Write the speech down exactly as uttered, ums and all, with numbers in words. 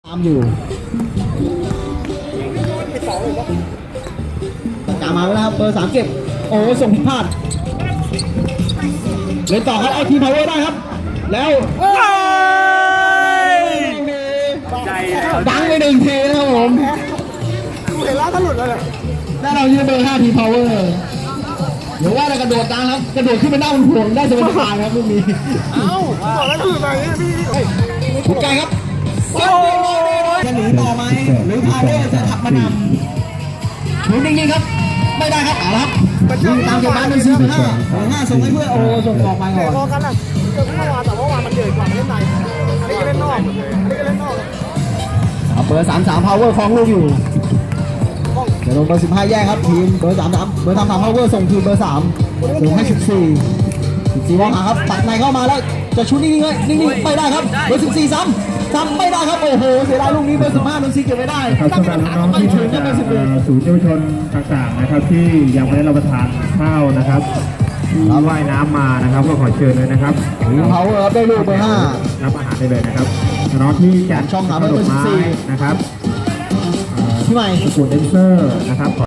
ตามอยู่ตะการมาแล้วครับเบอร์สามเก็บโอ้ส่งผิดพลาดเล่นต่อครับไอทีพาวเวอร์ได้ครับแล้วดังไปหนึ่งทีนะครับผมเห็นแล้วถ้าหลุดเลยได้เรายืนเบอร์ห้าทีพาวเวอร์หรือว่าเรากระโดดดังครับกระโดดขึ้นไปนั่งบนห่วงได้สบายๆครับลูกนี้เอ้าบอกแล้วคืออะไรพี่ถูกใจครับจะหนีต่อไหมหรือพาวเวอร์จะขับมานำหมุนนิ่งๆครับไม่ได้ครับเอาละครับตามเก็บบ้านเป็นซีห้าห้าส่งให้เพื่อนโอ้ส่งออกไปก่อนพอกันอ่ะเจอเมื่อวานแต่เมื่อวานมันเดือดกว่ามันเล่นในอันนี้ก็เล่นนอกอันนี้ก็เล่นนอกเบอร์สามสามพาวเวอร์คลองลูกอยู่เดี๋ยวลงเบอร์สิบห้าแยกครับทีมเบอร์สามสามเบอร์สามสามพาวเวอร์ส่งทีมเบอร์สามส่งให้สิบสี่สิบสี่มองหาครับปัดในเข้ามาแล้วจะชุดนิ่งๆเลยนิ่งๆไม่ได้ครับเบอร์สิบสี่ซ้ำซ้ำไม่ได้ครับโอ้โหเสียดายลูกนี้เบอร์สิบห้าโดนซีเก็บไม่ได้ตั้งคำถามทำไมถึงได้เบอร์สิบเอ็ดศูนย์เยาวชนต่างๆนะครับที่ยังไม่ได้รับประทานข้าวนะครับที่ว่ายน้ำมานะครับก็ขอเชิญเลยนะครับพาวเวอร์ได้ลูกเบอร์ห้ารับอาหารได้เลยนะครับน้องที่จัดช่องหาเบอร์สิบสี่นะครับพี่ใหม่สกุลเดนเซอร์นะครับ